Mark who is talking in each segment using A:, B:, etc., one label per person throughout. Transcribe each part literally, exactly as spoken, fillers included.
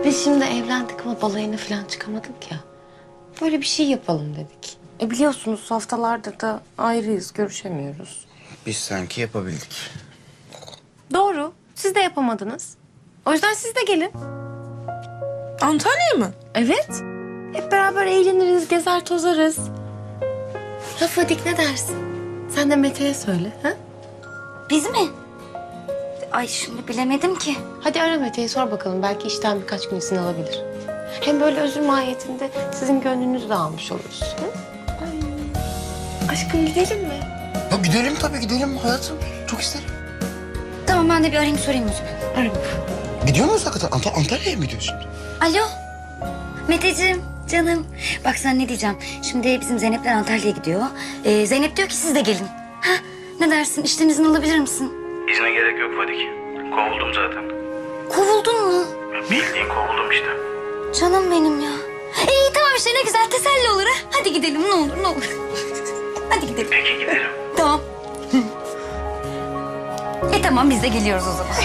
A: Biz şimdi evlendik ama balayına falan çıkamadık ya. Böyle bir şey yapalım dedik. E biliyorsunuz haftalardır da ayrıyız, görüşemiyoruz.
B: Biz sanki yapabildik.
A: Doğru. Siz de yapamadınız. O yüzden siz de gelin.
C: Antalya'ya mı?
A: Evet. Hep beraber eğleniriz, gezer tozarız. Ya Fadik ne dersin? Sen de Mete'ye söyle. Ha?
D: Biz mi? Ay şimdi bilemedim ki.
A: Hadi ara Mete'yi sor bakalım. Belki işten birkaç gün izin alabilir. Hem böyle özür mahiyetinde sizin gönlünüzü de almış oluruz. Hı? Ay. Aşkım gidelim mi?
B: Ya gidelim tabii gidelim hayatım. Çok isterim.
D: Tamam ben de bir arayayım sorayım o zaman.
A: Ara.
B: Gidiyor muyuz hakikaten? Ant Antalya'ya mı gidiyorsun?
D: Alo. Meteciğim canım. Bak sen ne diyeceğim. Şimdi bizim Zeynep'ler Antalya'ya gidiyor. Ee, Zeynep diyor ki siz de gelin. Ha? Ne dersin? İşten izin alabilir misin?
E: İzne gerek yok Fadik. Kovuldum zaten.
D: Kovuldun mu?
E: Bildiğin kovuldum işte.
D: Canım benim ya. İyi tamam işte ne güzel teselli olur ha. Hadi gidelim ne olur ne olur. Hadi gidelim.
E: Peki gidelim.
D: Tamam. e tamam biz de geliyoruz o zaman.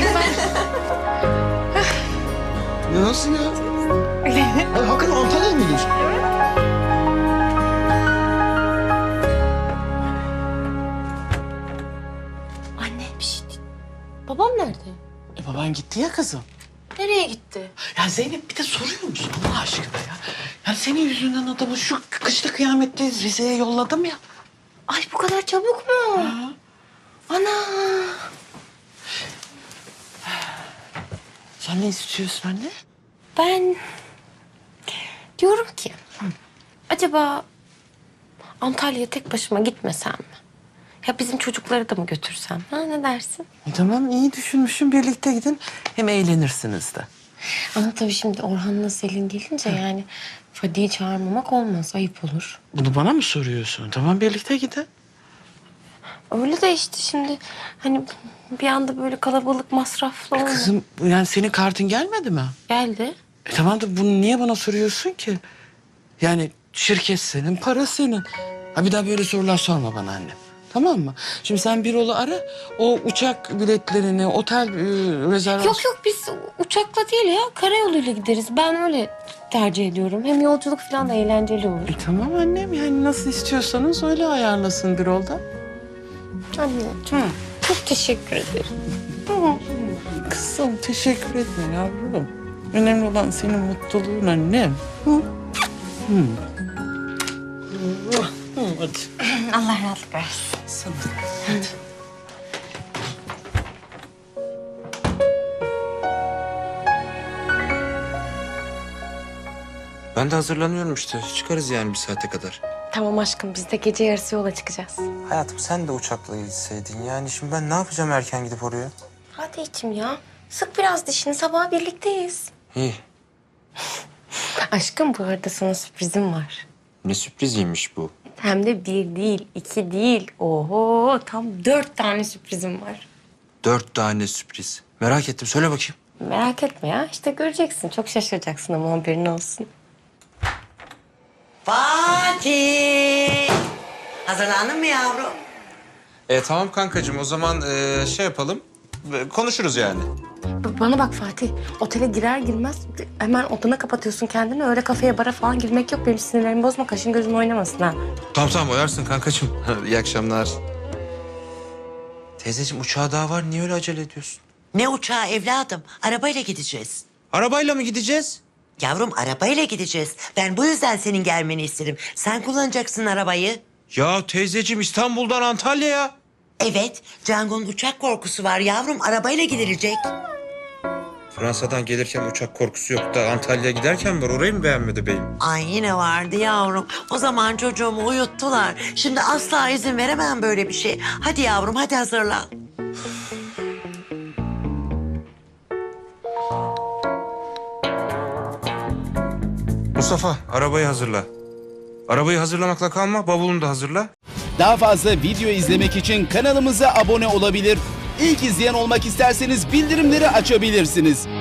B: Ya nasıl ya? Ay, hakikaten Antalya'ya mı gidiyorsun?
A: Anne bir şey değil. Babam nerede?
F: E baban gitti ya kızım.
A: Nereye gitti?
F: Ya Zeynep bir de soruyor musun Allah aşkına ya? Yani senin yüzünden adamı şu kışta kıyametteyiz Rize'ye yolladım ya.
A: Ay bu kadar çabuk mu?
F: Ha.
A: Ana.
F: Sen ne istiyorsun anne?
A: Ben diyorum ki acaba Antalya'ya tek başıma gitmesem mi? Ya bizim çocukları da mı götürsem? Ha ne dersin?
F: E tamam iyi düşünmüşüm birlikte gidin. Hem eğlenirsiniz de.
A: Ama tabii şimdi Orhan'la Selin gelince yani Fadi'yi çağırmamak olmaz. Ayıp olur.
F: Bunu bana mı soruyorsun? Tamam birlikte gidin.
A: Öyle de işte şimdi hani bir anda böyle kalabalık masraflı olma.
F: Kızım yani senin kartın gelmedi mi?
A: Geldi.
F: E tamam da bunu niye bana soruyorsun ki? Yani şirket senin, para senin. Ha bir daha böyle sorular sorma bana anne. Tamam mı? Şimdi sen bir oğlu ara, o uçak biletlerini, otel e, rezervasyonu...
A: Yok yok biz uçakla değil ya karayoluyla gideriz. Ben öyle tercih ediyorum. Hem yolculuk falan da eğlenceli olur.
F: E tamam annem yani nasıl istiyorsanız öyle ayarlasın bir olda.
A: Anneciğim çok teşekkür ederim.
F: Kızım teşekkür etme yavrum. Önemli olan senin mutluluğun annem. Hı? Hı. Hı, hadi.
D: Allah rahatlık versin.
F: Sana. Hadi.
B: Ben de hazırlanıyorum işte. Çıkarız yani bir saate kadar.
A: Tamam aşkım biz de gece yarısı yola çıkacağız.
B: Hayatım sen de uçakla gitseydin. Yani şimdi ben ne yapacağım erken gidip oraya?
A: Hadi içim ya. Sık biraz dişini sabah birlikteyiz.
B: İyi.
A: Aşkım bu arada sana sürprizim var.
B: Ne sürpriziymiş bu.
A: Hem de bir değil, iki değil. Oho tam dört tane sürprizim var.
B: Dört tane sürpriz. Merak ettim. Söyle bakayım.
A: Merak etme ya. İşte göreceksin. Çok şaşıracaksın ama haberin olsun.
G: Fatih! Hazırlandın mı yavrum?
H: E, tamam kankacığım o zaman e, şey yapalım. E, konuşuruz yani.
A: B- Bana bak Fatih. Otele girer girmez hemen odana kapatıyorsun kendini. Öyle kafeye bara falan girmek yok. Benim sinirlerimi bozma. Kaşın gözün oynamasın ha.
H: Tamam tamam oyarsın kankacığım. İyi akşamlar.
B: Teyzeciğim uçağa daha var. Niye öyle acele ediyorsun?
G: Ne uçağı evladım? Arabayla gideceğiz.
H: Arabayla mı gideceğiz?
G: Yavrum arabayla gideceğiz. Ben bu yüzden senin gelmeni istedim. Sen kullanacaksın arabayı.
H: Ya teyzeciğim İstanbul'dan Antalya'ya.
G: Evet, Cango'nun uçak korkusu var yavrum. Arabayla gidilecek.
H: Fransa'dan gelirken uçak korkusu yok da Antalya'ya giderken var. Orayı mı beğenmedi beyim?
G: Ay yine vardı yavrum. O zaman çocuğumu uyuttular. Şimdi asla izin veremem böyle bir şey. Hadi yavrum hadi hazırlan.
H: Mustafa arabayı hazırla. Arabayı hazırlamakla kalma, bavulunu da hazırla.
I: Daha fazla video izlemek için kanalımıza abone olabilir. İlk izleyen olmak isterseniz bildirimleri açabilirsiniz.